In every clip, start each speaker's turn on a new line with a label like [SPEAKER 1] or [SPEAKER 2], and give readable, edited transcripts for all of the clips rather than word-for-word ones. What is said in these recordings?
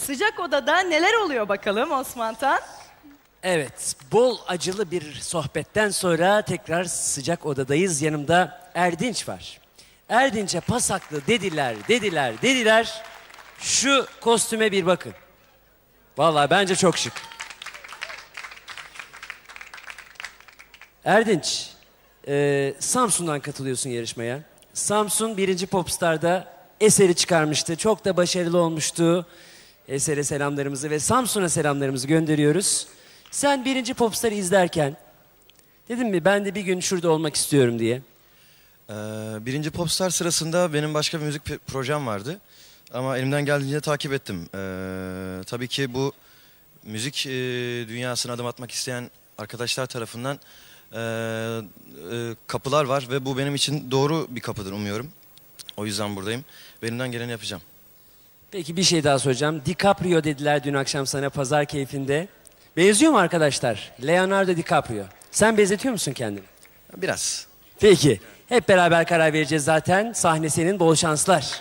[SPEAKER 1] Sıcak odada neler oluyor bakalım Osman Tan?
[SPEAKER 2] Evet, bol acılı bir sohbetten sonra tekrar sıcak odadayız. Yanımda Erdinç var. Erdinç'e pasaklı dediler. Şu kostüme bir bakın. Vallahi bence çok şık. Erdinç, Samsun'dan katılıyorsun yarışmaya. Samsun 1. Popstar'da eseri çıkarmıştı. Çok da başarılı olmuştu. Esere selamlarımızı ve Samsun'a selamlarımızı gönderiyoruz. Sen 1. Popstar'ı izlerken dedim mi ben de bir gün şurada olmak istiyorum diye.
[SPEAKER 3] Birinci Popstar sırasında benim başka bir müzik projem vardı. Ama elimden geldiğince takip ettim. Tabii ki bu müzik dünyasına adım atmak isteyen arkadaşlar tarafından kapılar var ve bu benim için doğru bir kapıdır umuyorum. O yüzden buradayım. Elimden geleni yapacağım.
[SPEAKER 2] Peki bir şey daha soracağım. DiCaprio dediler dün akşam sana pazar keyfinde. Benziyor mu arkadaşlar? Leonardo DiCaprio. Sen benzetiyor musun kendini?
[SPEAKER 3] Biraz.
[SPEAKER 2] Peki. Hep beraber karar vereceğiz zaten. Sahne senin, bol şanslar.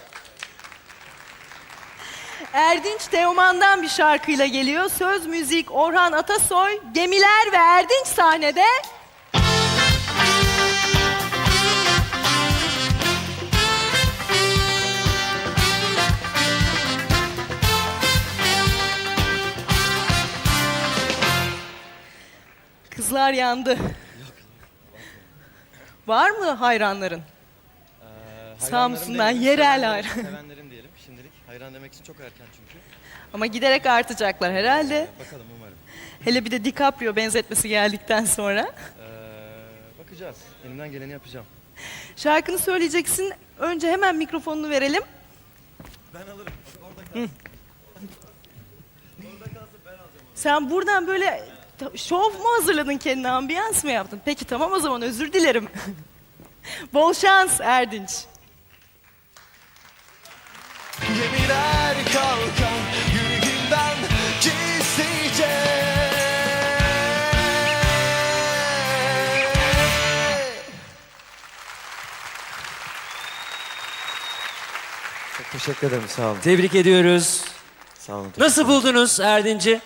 [SPEAKER 1] Erdinç Teoman'dan bir şarkıyla geliyor. Söz müzik Orhan Atasoy, Gemiler ve Erdinç sahnede. Kızlar yandı. Var mı hayranların? Samsun'dan yerel hayran.
[SPEAKER 3] Sevenlerim diyelim şimdilik. Hayran demek için çok erken çünkü.
[SPEAKER 1] Ama giderek artacaklar herhalde.
[SPEAKER 3] Bakalım umarım.
[SPEAKER 1] Hele bir de DiCaprio benzetmesi geldikten sonra.
[SPEAKER 3] Bakacağız. Elimden geleni yapacağım.
[SPEAKER 1] Şarkını söyleyeceksin. Önce hemen mikrofonunu verelim.
[SPEAKER 3] Ben alırım. Orada kalsın.
[SPEAKER 1] Sen buradan böyle şov mu hazırladın kendine, ambiyans mı yaptın? Peki tamam o zaman özür dilerim. Bol şans Erdinç.
[SPEAKER 4] Gemiler kalkan yüreğimden gizlice.
[SPEAKER 3] Çok teşekkür ederim. Sağ olun.
[SPEAKER 2] Tebrik ediyoruz.
[SPEAKER 3] Sağ olun.
[SPEAKER 2] Nasıl buldunuz Erdinç'i?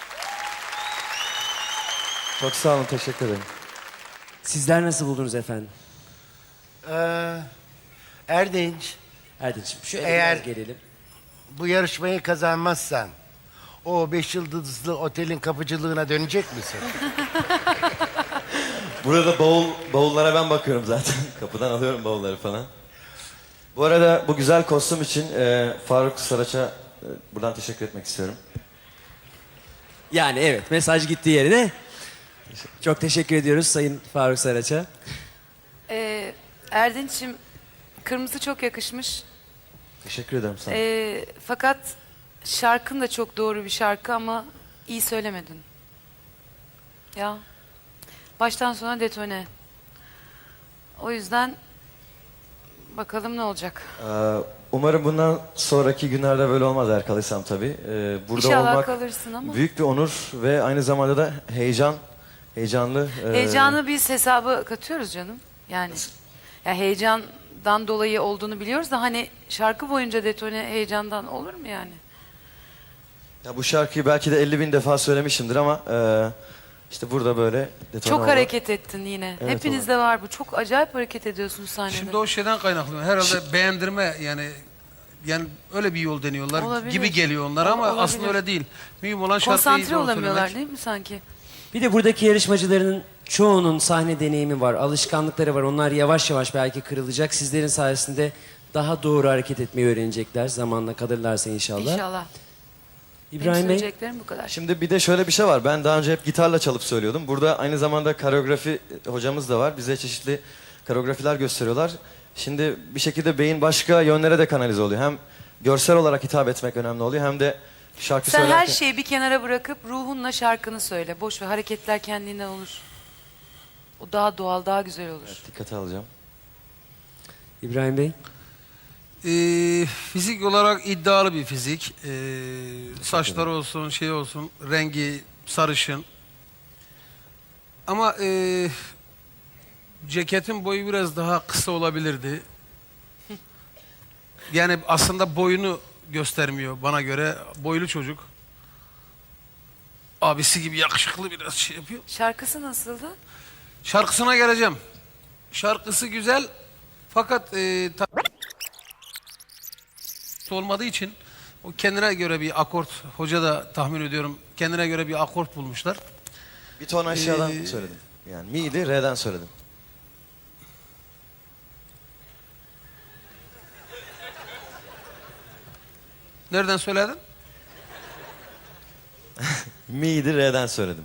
[SPEAKER 3] Çok sağ olun. Teşekkür ederim.
[SPEAKER 2] Sizler nasıl buldunuz efendim?
[SPEAKER 5] Erdinç,
[SPEAKER 2] Erdinç'im şöyle
[SPEAKER 5] Eğer-
[SPEAKER 2] biraz gelelim.
[SPEAKER 5] bu yarışmayı kazanmazsan o 5 yıldızlı otelin kapıcılığına dönecek misin?
[SPEAKER 6] Burada bavullara ben bakıyorum zaten. Kapıdan alıyorum bavulları falan. Bu arada bu güzel kostüm için Faruk Saraç'a buradan teşekkür etmek istiyorum.
[SPEAKER 2] Yani evet, mesaj gitti yerine. Çok teşekkür ediyoruz Sayın Faruk Saraç'a.
[SPEAKER 7] Erdinç'im, kırmızı çok yakışmış.
[SPEAKER 6] Teşekkür ederim sana.
[SPEAKER 7] Fakat şarkın da çok doğru bir şarkı ama iyi söylemedin. Ya, baştan sona detone. O yüzden bakalım ne olacak.
[SPEAKER 6] Umarım bundan sonraki günlerde böyle olmaz eğer kalırsam tabii. Burada
[SPEAKER 7] İnşallah
[SPEAKER 6] olmak
[SPEAKER 7] kalırsın ama.
[SPEAKER 6] büyük bir onur ve aynı zamanda da heyecanlı.
[SPEAKER 7] Heyecanı biz hesaba katıyoruz canım. Yani ya heyecandan dolayı olduğunu biliyoruz da hani şarkı boyunca detone heyecandan olur mu yani?
[SPEAKER 6] Ya bu şarkıyı belki de 50.000 defa söylemişimdir ama işte burada böyle detone
[SPEAKER 7] Çok
[SPEAKER 6] oldu.
[SPEAKER 7] hareket ettin yine.
[SPEAKER 6] Evet,
[SPEAKER 7] Hepinizde var bu. Çok acayip hareket ediyorsun sahnede.
[SPEAKER 8] Şimdi o şeyden kaynaklı. Herhalde beğendirme yani öyle bir yol deniyorlar
[SPEAKER 7] Olabilir.
[SPEAKER 8] gibi geliyor onlara ama
[SPEAKER 7] Olabilir.
[SPEAKER 8] aslında öyle değil. Mühim olan şarkıyı iyi
[SPEAKER 7] Konsantre
[SPEAKER 8] zaman
[SPEAKER 7] olamıyorlar
[SPEAKER 8] söylemek.
[SPEAKER 7] değil mi sanki?
[SPEAKER 2] Bir de buradaki yarışmacıların çoğunun sahne deneyimi var, alışkanlıkları var. Onlar yavaş yavaş belki kırılacak. Sizlerin sayesinde daha doğru hareket etmeyi öğrenecekler. Zamanla kalırlarsa inşallah.
[SPEAKER 7] İnşallah. Benim
[SPEAKER 2] İbrahim Bey,
[SPEAKER 7] söyleyeceklerim bu kadar.
[SPEAKER 6] Şimdi bir de şöyle bir şey var. Ben daha önce hep gitarla çalıp söylüyordum. Burada aynı zamanda koreografi hocamız da var. Bize çeşitli koreografiler gösteriyorlar. Şimdi bir şekilde beyin başka yönlere de kanalize oluyor. Hem görsel olarak hitap etmek önemli oluyor hem de şarkı
[SPEAKER 7] Sen
[SPEAKER 6] söylerken...
[SPEAKER 7] her şeyi bir kenara bırakıp ruhunla şarkını söyle. Boş ver, hareketler kendinden olur. O daha doğal, daha güzel olur.
[SPEAKER 6] Dikkate alacağım.
[SPEAKER 2] İbrahim Bey.
[SPEAKER 8] Fizik olarak iddialı bir fizik. Saçları olsun, şey olsun, rengi sarışın. Ama ceketin boyu biraz daha kısa olabilirdi. Yani aslında boyunu göstermiyor bana göre. Boylu çocuk. Abisi gibi yakışıklı, biraz şey yapıyor.
[SPEAKER 7] Şarkısı nasıldı?
[SPEAKER 8] Şarkısına geleceğim. Şarkısı güzel fakat olmadığı için o kendine göre bir akort, hoca da tahmin ediyorum kendine göre bir akort bulmuşlar.
[SPEAKER 6] Bir ton aşağıdan söyledim. Yani mi'ydi, re'den söyledim.
[SPEAKER 8] Nereden söyledin?
[SPEAKER 6] Mi'ydi, re'den söyledim.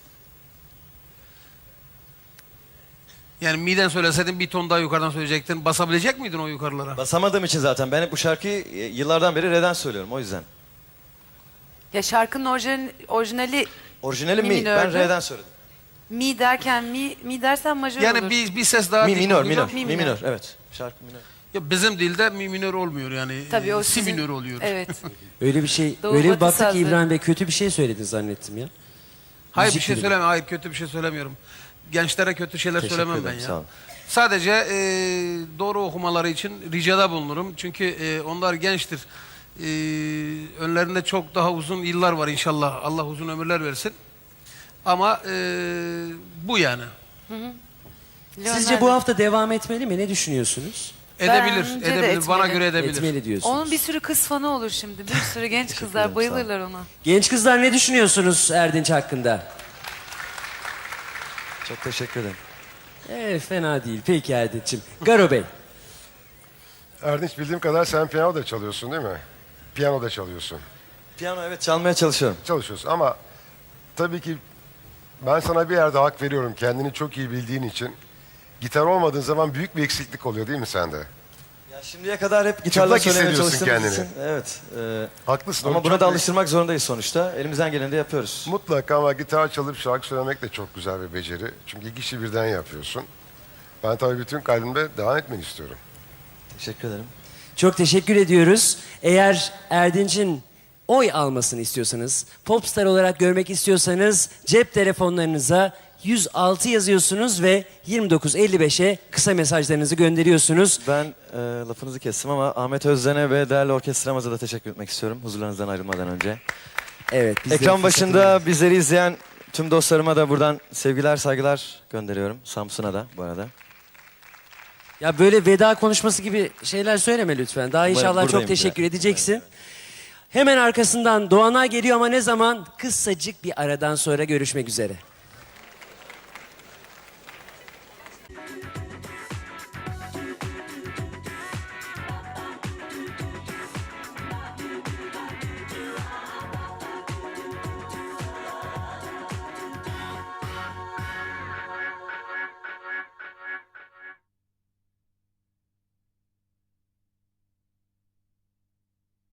[SPEAKER 8] Yani mi'den söyleseydin bir ton daha yukarıdan söyleyecektin. Basabilecek miydin o yukarılara?
[SPEAKER 6] Basamadığım için zaten ben hep bu şarkıyı yıllardan beri re'den söylüyorum o yüzden.
[SPEAKER 7] Ya şarkının orijinali
[SPEAKER 6] Orijinali
[SPEAKER 7] Mi
[SPEAKER 6] mi, ben
[SPEAKER 7] minördü.
[SPEAKER 6] re'den söyledim.
[SPEAKER 7] mi derken mi dersen majör
[SPEAKER 8] Yani
[SPEAKER 7] olur.
[SPEAKER 8] bir ses daha
[SPEAKER 6] Mi
[SPEAKER 8] dik
[SPEAKER 6] minör,
[SPEAKER 8] olacak.
[SPEAKER 6] minör, mi minör, evet. Şarkı minör.
[SPEAKER 8] Ya bizim dilde mi minör olmuyor yani.
[SPEAKER 7] Tabii o
[SPEAKER 8] si
[SPEAKER 7] sizin-
[SPEAKER 8] minör oluyor.
[SPEAKER 7] Evet.
[SPEAKER 2] Öyle bir şey,
[SPEAKER 7] Doğu
[SPEAKER 2] öyle bir
[SPEAKER 7] Batı
[SPEAKER 2] baktık ki
[SPEAKER 7] sazları.
[SPEAKER 2] İbrahim Bey kötü bir şey söyledin zannettim ya.
[SPEAKER 8] Hayır
[SPEAKER 2] Müzik
[SPEAKER 8] bir şey
[SPEAKER 2] gibi.
[SPEAKER 8] söylemiyorum. Hayır kötü bir şey söylemiyorum. Gençlere kötü şeyler
[SPEAKER 6] Teşekkür
[SPEAKER 8] söylemem ben
[SPEAKER 6] ederim,
[SPEAKER 8] ya.
[SPEAKER 6] sağ olun.
[SPEAKER 8] Sadece doğru okumaları için ricada bulunurum. Çünkü onlar gençtir. Önlerinde çok daha uzun yıllar var inşallah. Allah uzun ömürler versin. Ama bu yani.
[SPEAKER 2] Sizce bu hafta devam etmeli mi? Ne düşünüyorsunuz?
[SPEAKER 8] Edebilir,
[SPEAKER 7] Bence de
[SPEAKER 8] edebilir. Bana
[SPEAKER 7] etmeli.
[SPEAKER 8] göre edebilir.
[SPEAKER 2] Etmeli diyorsunuz.
[SPEAKER 7] Onun bir sürü kız fanı olur şimdi. Bir sürü genç kızlar
[SPEAKER 6] ederim, sağ ol.
[SPEAKER 7] bayılırlar ona.
[SPEAKER 2] Genç kızlar ne düşünüyorsunuz Erdinç hakkında?
[SPEAKER 6] Çok teşekkür ederim.
[SPEAKER 2] Fena değil. Peki Erdinç'im. Garo Bey.
[SPEAKER 9] Erdinç bildiğim kadar sen piyano da çalıyorsun değil mi? Piyano da çalıyorsun.
[SPEAKER 6] Piyano evet çalmaya çalışıyorum.
[SPEAKER 9] Çalışıyorsun ama tabii ki ben sana bir yerde hak veriyorum. Kendini çok iyi bildiğin için. Gitar olmadığın zaman büyük bir eksiklik oluyor değil mi sende?
[SPEAKER 6] Ya şimdiye kadar hep gitarla
[SPEAKER 9] Çıplak
[SPEAKER 6] söylemeye
[SPEAKER 9] hissediyorsun
[SPEAKER 6] çalıştığımız
[SPEAKER 9] kendini.
[SPEAKER 6] için. Evet.
[SPEAKER 9] Haklısın.
[SPEAKER 6] Ama
[SPEAKER 9] o
[SPEAKER 6] buna
[SPEAKER 9] çok
[SPEAKER 6] da
[SPEAKER 9] büyük-
[SPEAKER 6] alıştırmak zorundayız sonuçta. Elimizden geleni de yapıyoruz.
[SPEAKER 9] Mutlaka ama gitar çalıp şarkı söylemek de çok güzel bir beceri. Çünkü iki işi birden yapıyorsun. Ben tabii bütün kalbimle devam etmeni istiyorum.
[SPEAKER 6] Teşekkür ederim.
[SPEAKER 2] Çok teşekkür ediyoruz. Eğer Erdinç'in oy almasını istiyorsanız, popstar olarak görmek istiyorsanız cep telefonlarınıza 106 yazıyorsunuz ve 2955'e kısa mesajlarınızı gönderiyorsunuz.
[SPEAKER 6] Ben lafınızı kestim ama Ahmet Özden'e ve değerli orkestramıza da teşekkür etmek istiyorum. Huzurlarınızdan ayrılmadan önce.
[SPEAKER 2] Evet. biz de
[SPEAKER 6] Ekran
[SPEAKER 2] fırsatını-
[SPEAKER 6] başında bizleri izleyen tüm dostlarıma da buradan sevgiler, saygılar gönderiyorum. Samsun'a da bu arada.
[SPEAKER 2] Ya böyle veda konuşması gibi şeyler söyleme lütfen. Daha inşallah
[SPEAKER 6] buradayım
[SPEAKER 2] çok teşekkür
[SPEAKER 6] ya.
[SPEAKER 2] edeceksin. Hemen arkasından Doğanay geliyor ama ne zaman? Kısacık bir aradan sonra görüşmek üzere.